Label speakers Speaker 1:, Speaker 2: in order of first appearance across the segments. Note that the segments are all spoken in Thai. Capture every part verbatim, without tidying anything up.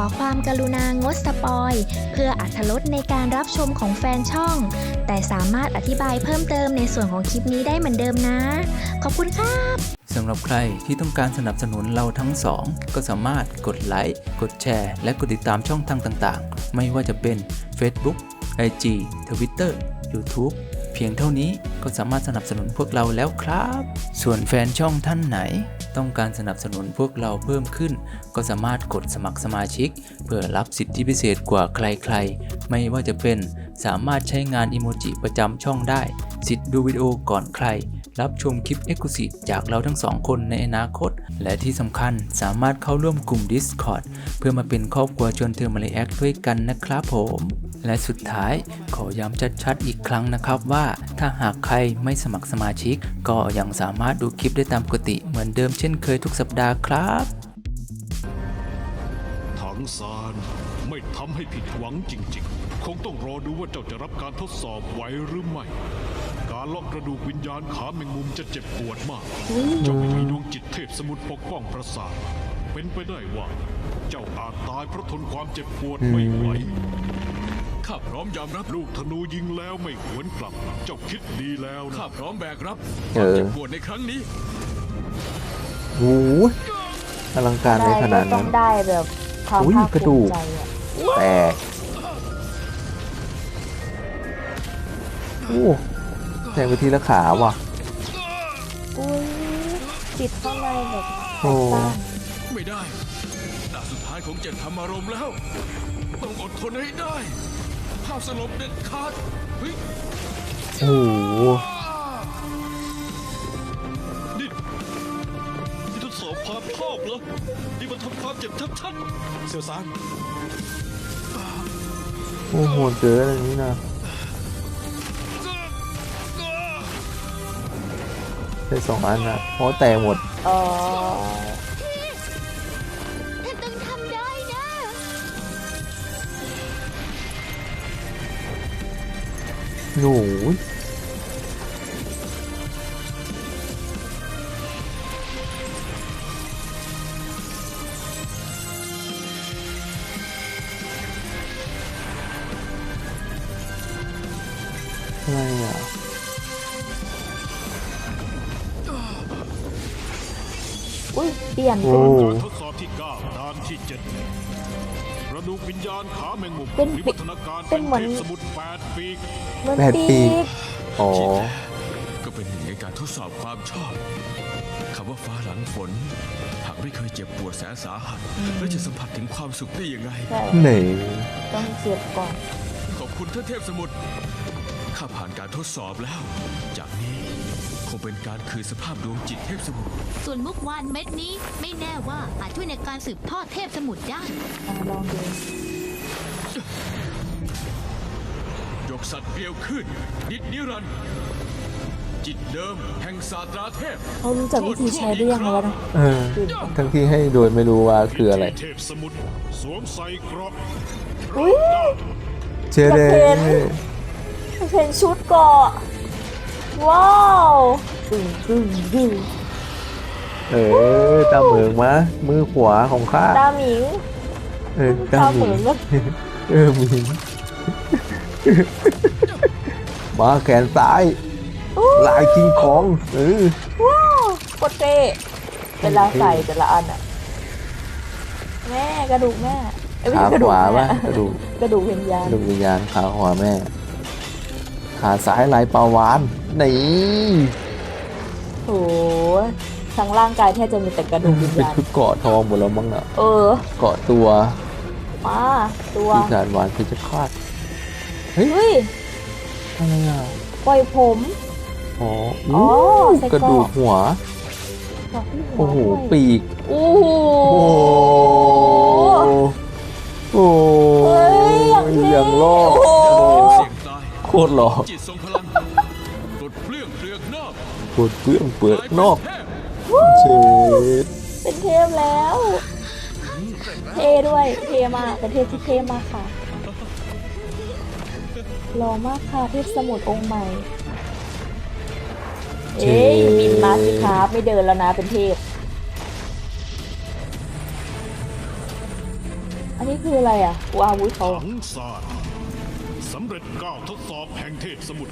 Speaker 1: ความกรุณางดสปอยเพื่ออรรถรสในการรับชมของแฟนช่องแต่สามารถอธิบายเพิ่มเติมในส่วนของคลิปนี้ได้เหมือนเดิมนะขอบคุณครับ
Speaker 2: สำหรับใครที่ต้องการสนับสนุนเราทั้งสองก็สามารถกดไลค์กดแชร์และกดติดตามช่องทางต่างๆไม่ว่าจะเป็น Facebook ไอ จี Twitter YouTube เพียงเท่านี้ก็สามารถสนับสนุนพวกเราแล้วครับส่วนแฟนช่องท่านไหนต้องการสนับสนุนพวกเราเพิ่มขึ้นก็สามารถกดสมัครสมาชิกเพื่อรับสิทธิพิเศษกว่าใครๆไม่ว่าจะเป็นสามารถใช้งานอิโมจิประจำช่องได้สิทธิ์ดูวิดีโอก่อนใครรับชมคลิป Exclusive จากเราทั้งสองคนในอนาคตและที่สำคัญสามารถเข้าร่วมกลุ่ม Discord เพื่อมาเป็นครอบครัวชวนเธอมาเลแอคด้วยกันนะครับผมและสุดท้ายขอย้ำชัดๆอีกครั้งนะครับว่าถ้าหากใครไม่สมัครสมาชิกก็ยังสามารถดูคลิปได้ตามปกติเหมือนเดิมเช่นเคยทุกสัปดาห์ครับ
Speaker 3: ถังซานไม่ทำให้ผิดหวังจริงๆคงต้องรอดูว่าเจ้าจะรับการทดสอบไหวหรือไม่การเลาะกระดูกวิญญาณขาแมงมุมจะเจ็บปวดมากเจ้าไม่มีดวงจิตเทพสมุทรปกป้องประสาทเป็นไปได้ว่าเจ้าอาจตายเพราะทนความเจ็บปวดไม่ไหวข้าพร้อมยอมรับลูกธนูยิงแล้วไม่หวนกลับเจ้าคิดดีแล้วนะข้าพร้อมแบกรับความเจ็บปวดในครั้งนี้
Speaker 4: โอ้โหอลังการในขนาดนั้น
Speaker 5: ต้องได้แบบความภาคภูมิใจอ่ะ
Speaker 4: แต่โอ้แทงไปทีละขาว่ะ
Speaker 5: อุ้ยจิตข้างในแบบ
Speaker 4: โอ้
Speaker 3: ไม่ได้ดาบสุดท้ายของเจ็ดธรรมารมณ์แล้วต้องอดทนให้ได้ห้ามสลบเด็ดขาดเฮ้ย
Speaker 4: โอ้
Speaker 3: นี่นี่ทดสอบความชอบเหรอนี่มันทำความเจ็บชัดๆเสี่ยวซาน
Speaker 4: โอ้โหเจออะไรนี้นะได้สองอันนะเพราะแตกหมด
Speaker 5: อ๋อ
Speaker 1: ท่านต้องทำได้นะ
Speaker 4: หนูอะไรอ่ะ
Speaker 5: อุ้ยเปลี่ยน
Speaker 3: เป็นการทดสอบที่เก้าด่านที่เจ็ดกระดูกวิญญาณขาแมงมุม
Speaker 5: เป็น
Speaker 3: วิวัฒนาการเป็นเทพสมุทรแปดปีก
Speaker 4: แปดปีกอ๋อ
Speaker 3: ก็เป็นหนึ่งในการทดสอบความชอบคำว่าฟ้าหลังฝนหากไม่เคยเจ็บปวดแสนสาหัสแล้วจะสัมผัสถึงความสุขได้ยังไง
Speaker 4: ไหน
Speaker 5: ต้องเจ็บก่อน
Speaker 3: ขอบคุณท่านเทพสมุทรข้าผ่านการทดสอบแล้วจากนี้คงเป็นการคืนสภาพดวงจิตเทพสมุทร
Speaker 1: ส่วนมุกวานเม็ดนี้ไม่แน่ว่าอาจช่วยในการสืบทอดเทพสมุทรได้
Speaker 5: ลองดู
Speaker 3: ยกสัตว์เกลียวขึ้นนิดนิรันดร์จิตเดิมแห่งศาสตราเทพ
Speaker 5: เขารู้จักวิธีใช้ได้ยังไงวะ
Speaker 4: เออทั้งที่ให้โดยไม่รู้ว่าคืออะไร
Speaker 3: เทพสมุทรสวมใส่เกราะ
Speaker 5: อุ้ย
Speaker 4: เจเดน
Speaker 5: เห็นชุดเกาะว้าวตึงตึงตึง
Speaker 4: เออตาเหมืองมะมือขวาของข้า
Speaker 5: ตาหมิง
Speaker 4: เออตาเหมืองเออหมิงมาแขนซ้ายลายคิงคองเออ
Speaker 5: ว้าวโคตรเท่เวลาใส่แต่ละอันอะแม่กระดูกแม่
Speaker 4: ขาขวาป่ะกระดูก
Speaker 5: กระดูกวิญญาณ
Speaker 4: กระดูกวิญญาณขาขวาแม่ขาซ้ายลายปลาวานนี่
Speaker 5: โหทั้งร่างกายแทบจะมีแต่กระดูกวิญญาณ
Speaker 4: เป็นชุดเกาะทองหมดแล้วมั้งอ่ะ
Speaker 5: เออ
Speaker 4: เกาะตัว
Speaker 5: มาตัว
Speaker 4: ปีศาจหวานคือจะคาดเฮ้ยอะไรอ่ะ
Speaker 5: ปล่อยผม
Speaker 4: อ๋ออ๋อกระดูกหัวโอ้โหปีก
Speaker 5: โอ้โห
Speaker 4: โอ้ยอย่างล่อโคตรหล่อ
Speaker 3: ปลดเปลื้องเปลือกนอก
Speaker 4: ปลดเปลื้องเปลือกนอกเช็ด
Speaker 5: เป็นเทพแล้วเทด้วยเทมากเป็นเทพที่เทมากค่ะหล่อมากค่ะเทพสมุทรองค์ใหม่เอ้ยบินมาสิครับไม่เดินแล้วนะเป็นเทพอันนี้คืออะไรอ่ะว้าวุ้ยเขา
Speaker 3: ถังซานสำเร็จก้าวทดสอบแห่งเทพสมุทร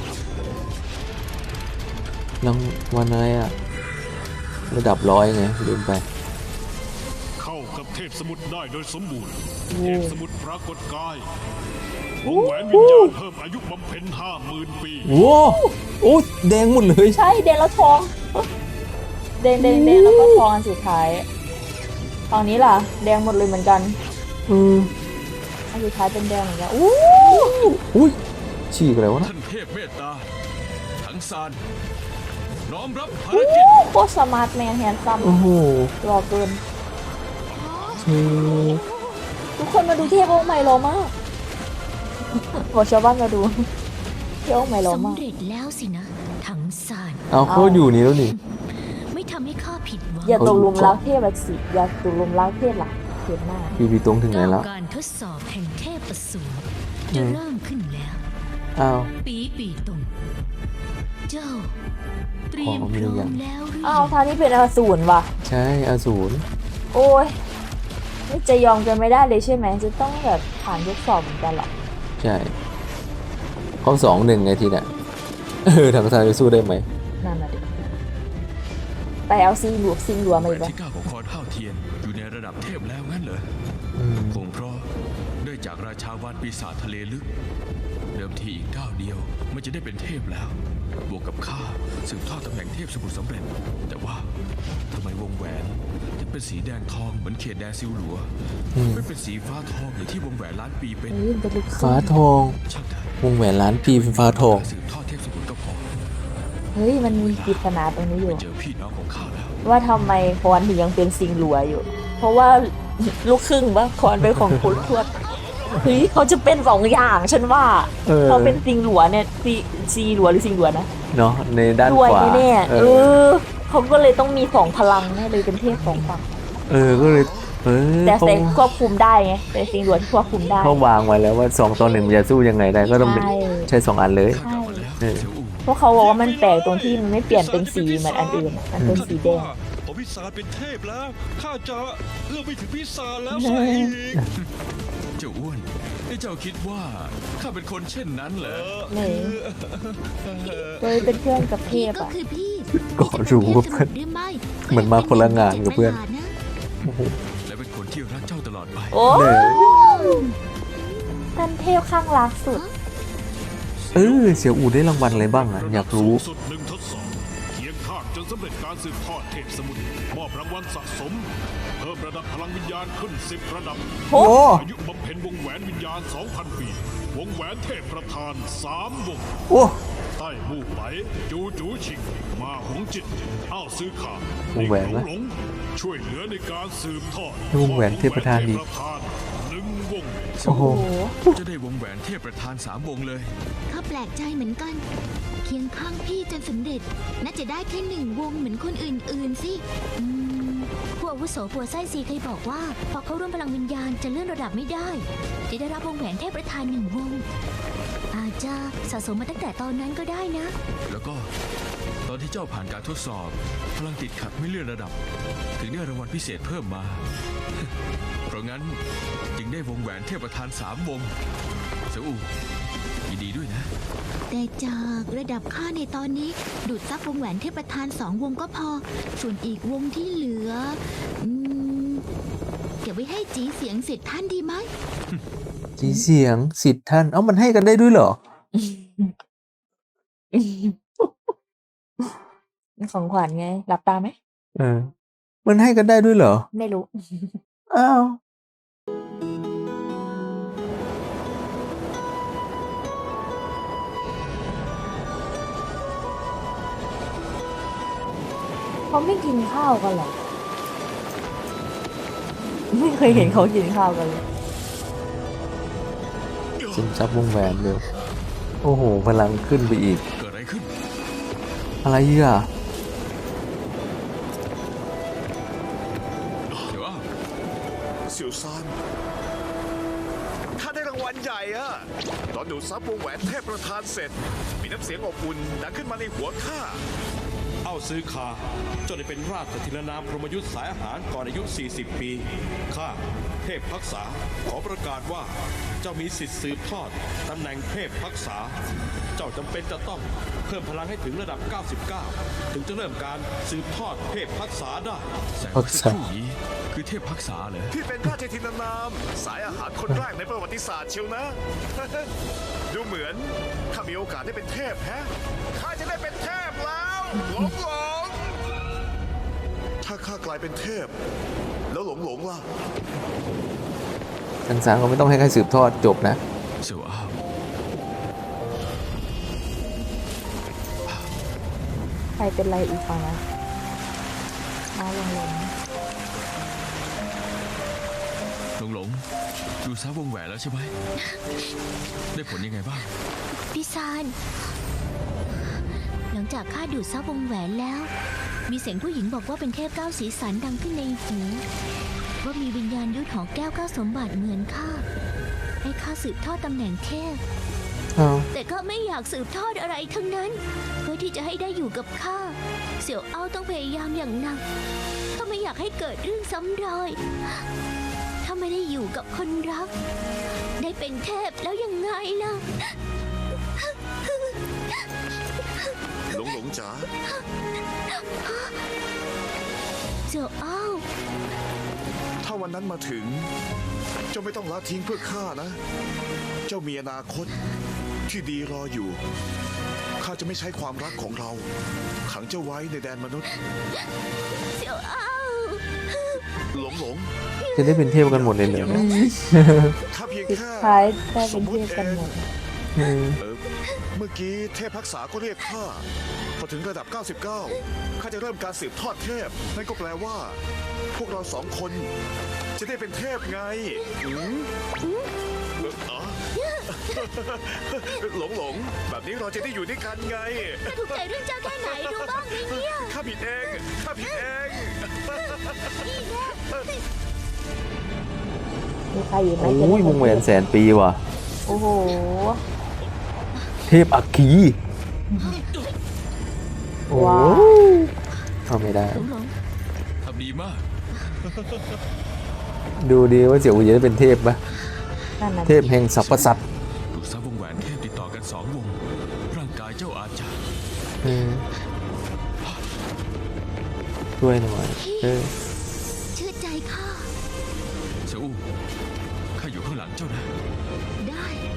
Speaker 4: รางวัลอะไรอะระดับร้อยไงลืมไป
Speaker 3: เข้ากับเทพสมุทรได้โดยสมบูรณ์
Speaker 5: โอ้
Speaker 3: เทพสมุทรปรากฏกายวงแหวนวิญญาณเพิ่มอายุบำเพ็ญห้าหมื่นปี
Speaker 4: โอ้โอ้แดงหมดเลย
Speaker 5: ใช่แดงแล้วทองแดงแดงแดงแล้วก็ทองอันสุดท้ายตอนนี้ล่ะ แดงหมดเลยเหมือนกัน
Speaker 4: อืม
Speaker 5: อันสุดท้ายเป็นแดงเหมือนกันอู้
Speaker 4: อุ้ยฉีกอะไรวะนะ
Speaker 6: ท่านเทพเมตตาถังซานน้อมรับภาร
Speaker 5: อู้
Speaker 6: กิจ
Speaker 5: โคตรสมาร์ทแมนแฮนซัม
Speaker 4: โอ้โห
Speaker 5: รอเกิน
Speaker 4: เท่
Speaker 5: ทุกคนมาดูเทพองค์ใหม่รอมากบอกชาวบ้านมาดูเทพองค์ใหม่รอมาก
Speaker 7: สำเร็จแล้วสินะ ถังซาน
Speaker 4: เอาเขาอยู่นี่แล้วนี่
Speaker 7: ไม่ทำให้ข้าผิดหวัง
Speaker 5: อย่าตกหลุมรักเทพละสิอย่าตกหลุมรักเทพละเทพหน้า
Speaker 4: พี่พี่ตรงถึงไหนแล้ว
Speaker 7: การทดสอบแห่งเทพอสูรจะเริ่มขึ้นแล้ว
Speaker 4: อ้าว
Speaker 7: ปีปีตงเจ้า เตรียม
Speaker 4: ขอ
Speaker 7: พ
Speaker 4: ไม่ได้
Speaker 7: ร้อ
Speaker 4: ยั
Speaker 7: ม
Speaker 4: ง
Speaker 7: แล้วหรือ
Speaker 5: อ้าว
Speaker 7: ยัง
Speaker 5: ทางนี้เป็นอสูรว่ะ
Speaker 4: ใช่อสูร
Speaker 5: โอ้ยนี่จะยอมกันไม่ได้เลยใช่ไหมจะต้องแบบผ่านทดสอบเหมือนกันเหรอ
Speaker 4: ใช่เขาสองหนึ่งไงทีน่ะเออทางซ้ายจะสู้ได้ไหม
Speaker 5: นั่นน่ะดิไปเอาซิงหลวซิงหลวมา
Speaker 6: แหว
Speaker 5: อีก
Speaker 6: น
Speaker 5: ปะ
Speaker 6: ที่เก้าของคอนห้าวเทียนอยู่ในระดับเทพแล้วงั้นเหรอ
Speaker 4: อืม
Speaker 6: คงเพราะได้จากราชาวานปีศาจทะเลลึก เดิมทีอีกก้าวเดียวมันจะได้เป็นเทพแล้ว บวกกับข้าสืบทอดตำแหน่งเทพสมุทรสำเร็จ แต่ว่าทำไมวงแหวนถึงเป็นสีแดงทองเหมือนเขตแดนซิวหลัว
Speaker 4: อืม
Speaker 6: ไม่เป็นสีฟ้าทองอย่างที่วงแหวนล้านปีเป็น
Speaker 5: เฮ้ยมันจะลึก
Speaker 4: ฟ้าทอง
Speaker 6: ช่างเถอะ
Speaker 4: วงแหวนล้านปีเป็นฟ้าทอง
Speaker 6: สืบทอดเทพสมุทรก็พอ
Speaker 5: เฮ้ยมันมีปริศนาตรงนี้อยู่
Speaker 6: เจอพี่น้องของข้าแล้ว
Speaker 5: ว่าทำไมคอนถึงยังเป็นซิงหลัวอยู่ เพราะว่าลูกครึ่งว่าคอนเป็นของคุณทวดเฮ้ยเขาจะเป็นสองอย่างฉันว่า
Speaker 4: เออ
Speaker 5: เขาเป็นซิงหลัวเนี่ยซีซีหลัวหรือซิงหลัวนะ
Speaker 4: เนาะในด้าน
Speaker 5: รวย
Speaker 4: ขวา
Speaker 5: แน่ๆ
Speaker 4: เอ
Speaker 5: เอ
Speaker 4: อ
Speaker 5: อเขาก็เลยต้องมีสองพลังแน่เลยเป็นเทพสองฝั่ง
Speaker 4: เออก็เลยเออ
Speaker 5: แต่
Speaker 4: เขา
Speaker 5: เซนควบคุมได้ไงเป็นซิงหลัวที่ควบคุมได้
Speaker 4: เขาวางไว้แล้วว่าสองต่อหนึ่งมันจะสู้ยังไงได้ก็ต้องเป็น
Speaker 5: ใช่
Speaker 4: ใช้สองอันเลย
Speaker 6: ข้ากลับมาแล้ว
Speaker 4: เออ
Speaker 6: เสี่ยวอู่
Speaker 5: เพราะเขาบอกว่ามันแปลกตรงที่มันไม่เปลี่ยนเป็นสีเหมือนอันอื่นอะมันเป็นสีแดง
Speaker 8: ผมพิศาจเป็นเทพแล้ว ข้าจะเอื้อมไปถึงพิศาจแล้วซะอีก
Speaker 6: เจ้าอ้วนนี่เจ้าคิดว่าข้าเป็นคนเช่นนั้นเหรอ
Speaker 5: นี่เลยเป็นเพื่อนกับเท
Speaker 7: พี่
Speaker 5: พ
Speaker 7: ก็
Speaker 5: อ่ะ
Speaker 7: คือพี่
Speaker 4: ก็รู้ว่าเพื่อน
Speaker 7: หรือไม่
Speaker 4: เหมือนมาคนละงานกับเพื่อน
Speaker 6: และเป็นคนที่รักเจ้าตลอดไป
Speaker 5: โอ้
Speaker 4: เนี่ย
Speaker 5: ท่านเทพข้างรักสุด
Speaker 4: เออเสี่ยวอู่ได้รางวัลอะไรบ้างอ่ะอยากรู้
Speaker 3: สูงสุดหนึ่งทดสอบเคียงข้างจนสำเร็จการสืบทอดเทพสมุทรมอบรางวัลสะสม เพิ่มระดับพลังวิญญาณขึ้นสิบระดับ
Speaker 5: โอ้
Speaker 3: อายุบำเพ็ญวงแหวนวิญญาณ สองพัน ปี วงแหวนเทพประธานสามวง
Speaker 4: โอ้
Speaker 3: ใต้มู่ไหลจูจูชิง มาหงจิต อ้าวซื้อขาว
Speaker 4: งแหวน
Speaker 3: หล
Speaker 4: นะ
Speaker 3: งหลงช่วยเหลือในการสืบทอด
Speaker 4: วงแหวนเทพประธานอีก
Speaker 3: วงแหวนเทพประธานหนึ่งวง
Speaker 4: โอ้โห
Speaker 6: จะได้วงแหวนเทพประธานสามวงเลย
Speaker 7: ข้าแปลกใจเหมือนกัน เคียงข้างพี่จนสำเร็จ น่าจะได้แค่หนึ่งวงเหมือนคนอื่นๆสิอืมผู้อาวุโสปัวไส้ซีเคยบอกว่า พอเข้าร่วมพลังวิญญาณจะเลื่อนระดับไม่ได้ จะได้รับวงแหวนเทพประธานหนึ่งวง อาจจะสะสมมาตั้งแต่ตอนนั้นก็ได้นะ
Speaker 6: แล้วก็ตอนที่เจ้าผ่านการทดสอบ พลังติดขัดไม่เลื่อนระดับ ถึงได้รางวัลพิเศษเพิ่มมา เพราะงั้นจึงได้วงแหวนเทพประธานสามวงเสี่ยวอู่ยินดีด้วยนะ
Speaker 7: แต่จากระดับค่าในตอนนี้ ดูดซับวงแหวนเทพประธานสองวงก็พอ ส่วนอีกวงที่เหลือ อืมเก็บไว้ให้จีเสียงเสร็จท่านดีไหม
Speaker 4: จีเสียงสิทธิ์ท่าน เอ้ามันให้กันได้ด้วยเหรอ
Speaker 5: ของขวัญไงหลับตาไหม
Speaker 4: เออ มันให้กันได้ด้วยเหรอ
Speaker 5: ไม่รู้
Speaker 4: อ้าว
Speaker 5: เขาไม่กินข้าวกันเหรอ ไม่เคยเห็นเขากินข้าวกันเลย
Speaker 4: ซึมซับวงแหวนเร็ว โอ้โห พลังขึ้นไปอีก
Speaker 6: เกิดอะไรขึ้น
Speaker 4: อะไรอ่ะ
Speaker 6: เดี๋ยวอ้าว
Speaker 8: เสี่ยวซานข้าได้รางวัลใหญ่อะตอนดูดซับวงแหวนเทพประธานเสร็จ มีน้ำเสียงอบอุ่นดังขึ้นมาในหัวข้า เอา
Speaker 9: ซื้อคาเจ้าได้เป็นราชธินนามพรหมยุทธสายอาหารก่อนอายุ สี่สิบ ปีข้าเทพพักษาขอประกาศว่าเจ้ามีสิทธิ์สืบทอดตำแหน่งเทพพักษาเจ้าจำเป็นจะต้องเพิ่มพลังให้ถึงระดับ เก้าสิบเก้า ถึงจะเริ่มการสืบทอดเทพพักษาได้
Speaker 6: แสงเมื่อสักครู่นี้คือเทพพักษาเหรอ
Speaker 8: พี่เป็นราชธินนามสายอาหารคนแรกในประวัติศาสตร์เชียวนะ ดูเหมือนข้ามีโอกาสได้เป็นเทพแฮะข้าจะได้เป็นเทพแล้วหลงหลงถ้าข้ากลายเป็นเทพ แล้วหลงหลงล่ะ
Speaker 4: ทางสารก็ไม่ต้องให้ใครสืบทอดจบนะ
Speaker 6: เสี่ยวอ้าว
Speaker 5: ใครเป็นไรอีกฝั่งนะมาลงลง
Speaker 6: หลงหลงดูซะวงแหวนแล้วใช่ไหม ได้ผลยังไงบ้าง
Speaker 7: พี่ซานหลังจากข้าดูดซับวงแหวนแล้ว มีเสียงผู้หญิงบอกว่าเป็นเทพเก้าสีสันดังขึ้นในหูว่ามีวิญญาณยุทธหอแก้วเก้าสมบัติเหมือนข้าให้ข้าสืบทอดตำแหน่งเทพ
Speaker 4: อ้าว
Speaker 7: แต่ก็ไม่อยากสืบทอดอะไรทั้งนั้น เพื่อที่จะให้ได้อยู่กับข้าเสี่ยวเอ้าต้องพยายามอย่างหนักถ้าไม่อยากให้เกิดเรื่องซ้ำรอย ถ้าไม่ได้อยู่กับคนรัก ได้เป็นเทพแล้วยังไงล่ะ
Speaker 8: หลงหลงจ๋า
Speaker 7: เสี่ยวเอ้า
Speaker 8: ถ้าวันนั้นมาถึง เจ้าไม่ต้องละทิ้งเพื่อข้านะ เจ้ามีอนาคตที่ดีรออยู่ข้าจะไม่ใช้ความรักของเรา ขังเจ้าไว้ในแดนมนุษย์
Speaker 7: เสี่ยวเอ้า
Speaker 8: หลงหลง
Speaker 4: จะได้เป็นเทพกันหมดเลยเหรอ
Speaker 8: ข้าเพียง
Speaker 5: สุด
Speaker 8: แค่
Speaker 5: ท้ายได้เป็นเทพกันหมด
Speaker 4: อืม
Speaker 8: เออเมื่อกี้เทพพักษาก็เรียกข้าพอถึงระดับ เก้าสิบเก้า ข้าจะเริ่มการสืบทอดเทพนั่นก็แปลว่า พวกเราสองคนจะได้เป็นเทพไงอืมเอ่ออ๋อ หลงหลงแบบนี้เราจะได้อยู่ด้วยกันไง
Speaker 7: ถ้าถูกใจเรื่องเจ้าแค่ไหนรู้บ้างไหมเนี่ย
Speaker 8: ข้าผิดเอง ข้าผิดเอง
Speaker 5: มีใครอีกไหม
Speaker 4: โอ้ยวงแหวนแสนปีว่ะ
Speaker 5: โอ้โห
Speaker 4: เทพอัคคีโอ้
Speaker 5: ว้าว
Speaker 4: เอาไม่ได้
Speaker 7: หลงหลง
Speaker 6: ทำดีมาก
Speaker 4: ดูดีว่าเสี่ยวอูจะได้เป็นเทพปะ
Speaker 5: นั่นน่ะ
Speaker 4: เทพแห่งสรรพสัตว์
Speaker 6: ดูซะวงแหวนเทพติดต่อกันสองวง ร่างกายเจ้าอาจจะ
Speaker 4: อืมช่วยหน่อยเออ
Speaker 7: เชื่อใจข้า
Speaker 6: เสี่ยวอู้ข้าอยู่ข้างหลังเจ้านะ
Speaker 7: ได้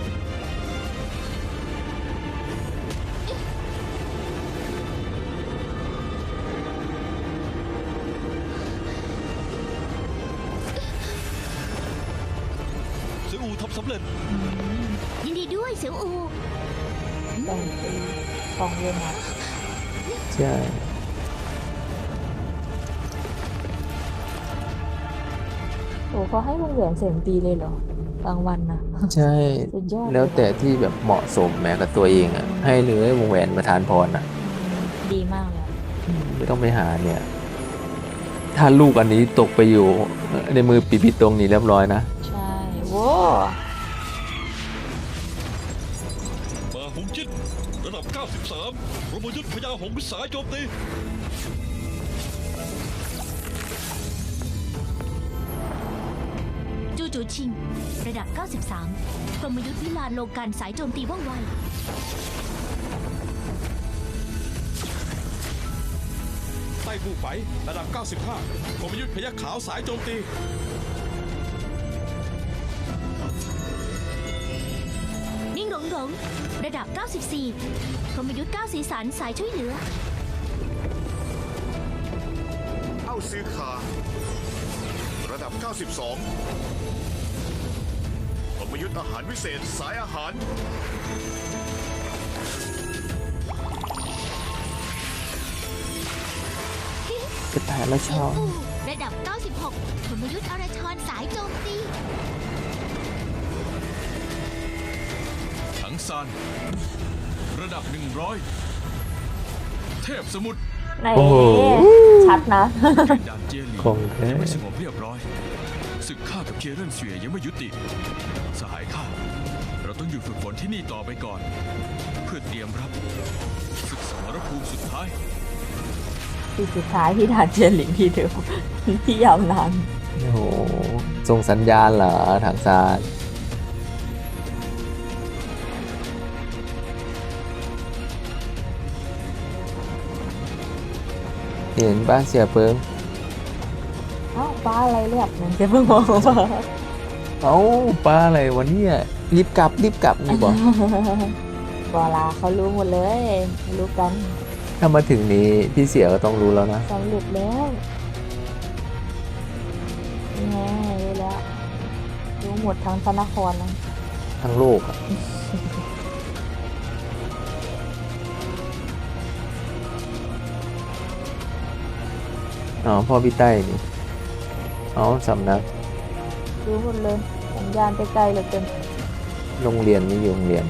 Speaker 9: เสี่ยวอูทำสำเร็จ
Speaker 7: ยินดีด้วยเสี่ยวอู
Speaker 5: แบ่งปีสองเรื่องนะ
Speaker 4: ใช่
Speaker 5: โอ้เขาให้วงแหวนแสนปีเลยเหรอกลางวันนะ
Speaker 4: ใช่
Speaker 5: สุดยอดเลย
Speaker 4: แล้วแต่ที่แบบเหมาะสมแม้กับตัวเองอ่ะ ให้เลยวงแหวนประทานพรอ่ะ
Speaker 5: ดีมากเลย
Speaker 4: ไม่ต้องไปหาเนี่ย ถ้าลูกอันนี้ตกไปอยู่ในมือปีปิดตรงนี้เรียบร้อยนะ
Speaker 5: ใช่โว้
Speaker 9: มาหงจิตระดับ เก้าสิบสามรมยุทธพญาหงส์สายโจมตี
Speaker 7: จูจูชิง ระดับ เก้าสิบสาม กรมยุทธวิลานโลกันสายโจมตีว่องไว
Speaker 9: ใต้ผู้ไประดับ เก้าสิบห้ากรมยุทธพยัคฆ์ขาวสายโจมตี
Speaker 7: นิ่งหลงหลง ระดับ เก้าสิบสี่ กรมยุทธเก้าสีสันสายช่วยเหลือ
Speaker 8: เอ้าซื้อขาระดับ เก้าสิบสองปรมยุทธ์อาหารวิเศษสายอาหาร
Speaker 4: กระต่ายละชอบ
Speaker 7: ระดับ เก้าสิบหก กรมยุทธอรชรสายโจมตี
Speaker 6: ถังซานระดับ หนึ่งร้อย เทพสมุทร
Speaker 5: ไหน
Speaker 4: โอ้โห
Speaker 5: ชัดนะ
Speaker 6: แก่นดานเจียหลี
Speaker 4: ของแท้
Speaker 6: ยังไม่สงบเรียบร้อยศึกข้ากับเคียเรนเสวียยังไม่ยุติ สหายข้าเราต้องอยู่ฝึกฝนที่นี่ต่อไปก่อน เพื่อเตรียมรับศึกสมรภูมิสุดท้าย
Speaker 5: ปีสุดท้ายที่ด่านเจียนหลิงที่เดิมที่ยาวนาน
Speaker 4: โอ้โหส่งสัญญาณเหรอทางซ้ายเห็นป้าเสียเปิง
Speaker 5: เอ้าป้าอะไรเรียกมันจะเพิ่งมองมา
Speaker 4: เอ้าป้าอะไรวันนี้รีบกลับรีบกลับนี่บอก
Speaker 5: บอลาเขารู้หมดเลยรู้กัน
Speaker 4: ถ้ามาถึงนี้พี่เสียก็ต้องรู้แล้วนะ
Speaker 5: สำเร็จแล้วนี่ไงรู้แล้วรู้หมดทั้งพระนครนะ
Speaker 4: ทั้งโลกอะอ๋อพ่อพี่ใต้นี่อ๋อสำนัก
Speaker 5: รู้หมดเลยสัญญาณไปไกลเหลือเกิน
Speaker 4: โรงเรียนนี่อยู่โรงเรียน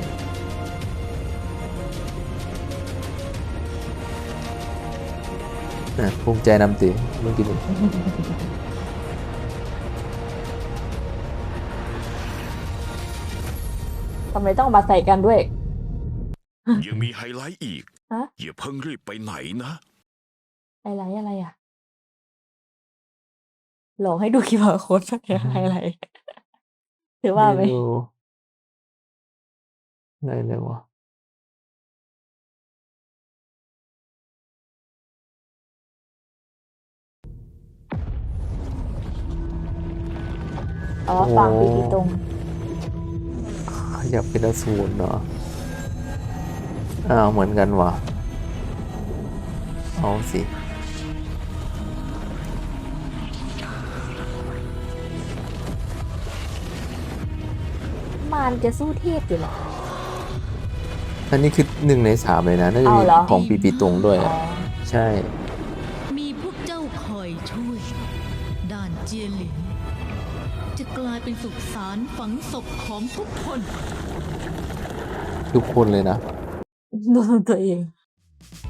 Speaker 4: นะภูมิใจนำตีเมื่อกี้นี้
Speaker 5: ทำไมต้องมาใส่กันด้วย
Speaker 8: ยังมีไฮไลท์อีก
Speaker 5: ฮะ
Speaker 8: อย่าเพิ่งรีบไปไหนนะ
Speaker 5: อะไรอะไรอ่ะหลอกให้ดูคิวอาร์โค้ดอะไรถือว่าไหม
Speaker 4: ไม่รู้อะไรเลยวะ
Speaker 5: อ๋อฝั่งปีกีตรง
Speaker 4: ขยับเป็นอสูรเนาะอ้าวเหมือนกันวะเอาสิ
Speaker 5: มารจะสู้เทพอยู่เหรอ
Speaker 4: อันนี้คือหนึ่งในสามเลยนะ น่าจะ
Speaker 5: เอา
Speaker 4: มี
Speaker 5: เหรอ
Speaker 4: ของปีปีตรงด้วย
Speaker 5: อ๋อ
Speaker 4: อ่ะ ใช่
Speaker 10: มีพวกเจ้าคอยช่วย ด่านเจียหลินจะกลายเป็นสุสานฝังศพของทุกคน
Speaker 4: ทุกคนเลยนะ
Speaker 5: ดูตัวเอง